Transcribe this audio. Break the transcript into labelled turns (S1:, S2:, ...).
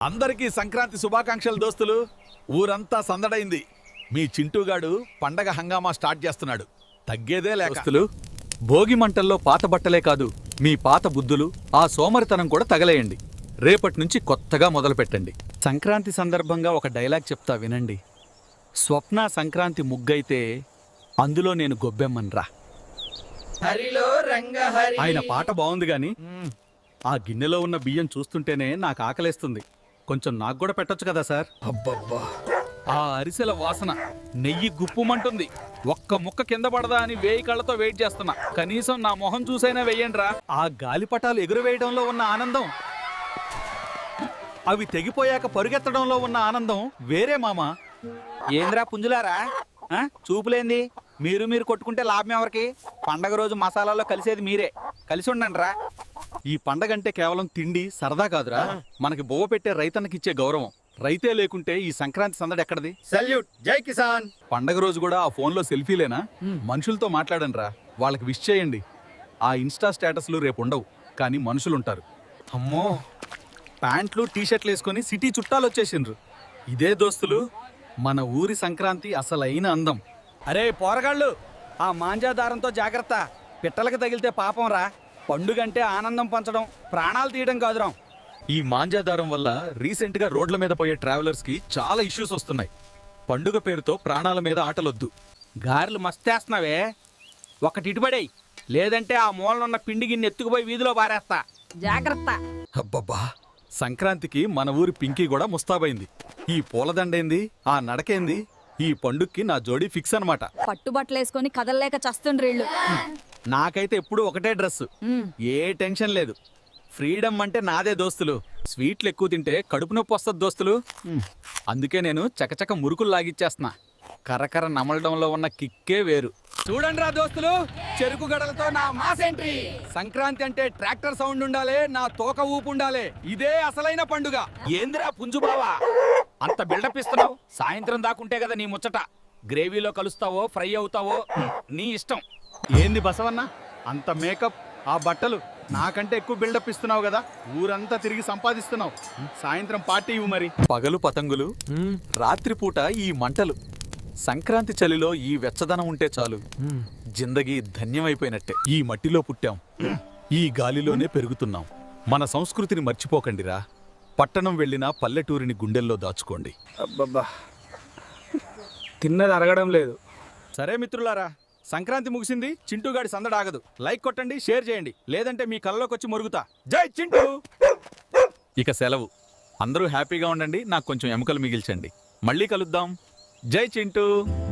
S1: అందరికీ సంక్రాంతి శుభాకాంక్షలు దోస్తులు. ఊరంతా సందడైంది. మీ చింటూగాడు పండగ హంగామా స్టార్ట్ చేస్తున్నాడు. తగ్గేదే లేక.
S2: దోస్తులు, భోగి మంటల్లో పాత బట్టలే కాదు, మీ పాత బుద్ధులు, ఆ సోమరితనం కూడా తగలేయండి. రేపటి నుంచి కొత్తగా మొదలు పెట్టండి. సంక్రాంతి సందర్భంగా ఒక డైలాగ్ చెప్తా వినండి. స్వప్న సంక్రాంతి ముగ్గైతే అందులో నేను గొబ్బెమ్మన్రా. ఆయన పాట బాగుంది గాని ఆ గిన్నెలో ఉన్న బియ్యం చూస్తుంటేనే నాకు ఆకలేస్తుంది. కొంచెం నాకు కూడా పెట్టొచ్చు కదా సార్?
S1: అబ్బబ్బా,
S2: ఆ అరిసెల వాసన నెయ్యి గుప్పుమంటుంది. ఒక్క ముక్క కింద పడదా అని 1000 కళ్ళతో వెయిట్ చేస్తున్నా. కనీసం నా మొహం చూసైనా వెయ్యండ్రా. ఆ గాలిపటాలు ఎగురవేయడంలో ఉన్న ఆనందం, అవి తెగిపోయాక పరుగెత్తడంలో ఉన్న ఆనందం వేరే మామా.
S3: ఏంద్రా పుంజులారా, చూపులేంది? మీరు కొట్టుకుంటే లాభం ఎవరికి? పండగ రోజు మసాలాలో కలిసేది మీరే. కలిసి ఉండండి రా.
S2: ఈ పండగంటే కేవలం తిండి సరదా కాదురా, మనకి బొవ్వ పెట్టే రైతన్నకిచ్చే గౌరవం. రైతే లేకుంటే ఈ సంక్రాంతి సందడి ఎక్కడది?
S1: సల్యూట్, జై కిసాన్.
S2: పండగ రోజు కూడా ఆ ఫోన్లో సెల్ఫీలేనా? మనుషులతో మాట్లాడండి రా, వాళ్ళకి విష్ చేయండి. ఆ ఇన్స్టా స్టేటస్లు రేపు ఉండవు, కానీ మనుషులుంటారు. అమ్మో, ప్యాంట్లు టీషర్ట్లు వేసుకొని సిటీ చుట్టాలు వచ్చేసిండ్రు. ఇదే దోస్తులు మన ఊరి సంక్రాంతి అసలైన అందం.
S3: అరే పోరగాళ్ళు, ఆ మాంజాదారంతో జాగ్రత్త. పిట్టలకు తగిలితే పాపం రా. పండుగంటే ఆనందం పంచడం, ప్రాణాలు తీయడం కాదురా.
S2: ఈ మాంజాదారం వల్ల రీసెంట్ గా రోడ్ల మీద పోయే ట్రావెలర్స్ కి చాలా ఇష్యూస్ వస్తున్నాయి. పండుగ పేరుతో ప్రాణాల మీద ఆటలొద్దు.
S3: గారెలు మస్తేస్తున్నావే, ఒకటి ఇటుబడేయి, లేదంటే ఆ మూలనున్న పిండి గిన్నె ఎత్తుకుపోయి వీధిలో పారేస్తా. జాగ్రత్త.
S2: అబ్బబ్బా, సంక్రాంతికి మన ఊరి పింకీ కూడా ముస్తాబైంది. ఈ పూలదండేంది, ఆ నడకేంది, ఈ పండుగకి నా జోడీ ఫిక్స్ అనమాట.
S4: పట్టుబట్టలేసుకొని కదలలేక చస్తుండ్రీళ్ళు.
S2: నాకైతే ఎప్పుడు ఒకటే డ్రెస్, ఏ టెన్షన్ లేదు. ఫ్రీడమ్ అంటే నాదే దోస్తులు. స్వీట్లు ఎక్కువ తింటే కడుపు నొప్పి వస్తుంది దోస్తులు. అందుకే నేను చకచక మురుకులు లాగిచ్చేస్తున్నా. కరకర నమలడంలో ఉన్న కిక్కే వేరు.
S3: చూడండి రా దోస్తులు, చెరుకు గడలతో నా మాస్ ఎంట్రీ. సంక్రాంతి అంటే ట్రాక్టర్ సౌండ్ ఉండాలి, నా తోక ఊపు ఉండాలి. ఇదే అసలైన పండుగ. ఏందిరా పుంజు బావా, అంత బిల్డప్ ఇస్తున్నావు? సాయంత్రం దాకుంటే కదా నీ ముచ్చట. గ్రేవీలో కలుస్తావో ఫ్రై అవుతావో నీ ఇష్టం.
S2: ఏంది బసవన్న, అంత మేకప్, ఆ బట్టలు, నాకంటే ఎక్కువ బిల్డప్ ఇస్తున్నావు కదా. ఊరంతా తిరిగి సంపాదిస్తున్నావు. సాయంత్రం పార్టీ ఇవ్వు మరి. పగలు పతంగులు, రాత్రిపూట ఈ మంటలు. సంక్రాంతి చలిలో ఈ వెచ్చదనం ఉంటే చాలు, జిందగీ ధన్యమైపోయినట్టే. ఈ మట్టిలో పుట్టాం, ఈ గాలిలోనే పెరుగుతున్నాం. మన సంస్కృతిని మర్చిపోకండిరా. పట్టణం వెళ్ళినా పల్లెటూరిని గుండెల్లో దాచుకోండి.
S3: అబ్బబ్బా, తిన్నది అరగడం లేదు.
S2: సరే మిత్రులారా, సంక్రాంతి ముగిసింది, చింటూగాడి సందడాగదు. లైక్ కొట్టండి, షేర్ చేయండి, లేదంటే మీ కళ్ళలోకి వచ్చి మొరుగుతా. జై చింటూ. ఇక సెలవు. అందరూ హ్యాపీగా ఉండండి, నాకు కొంచెం ఎముకలు మిగిల్చండి. మళ్ళీ కలుద్దాం. జై చింటూ.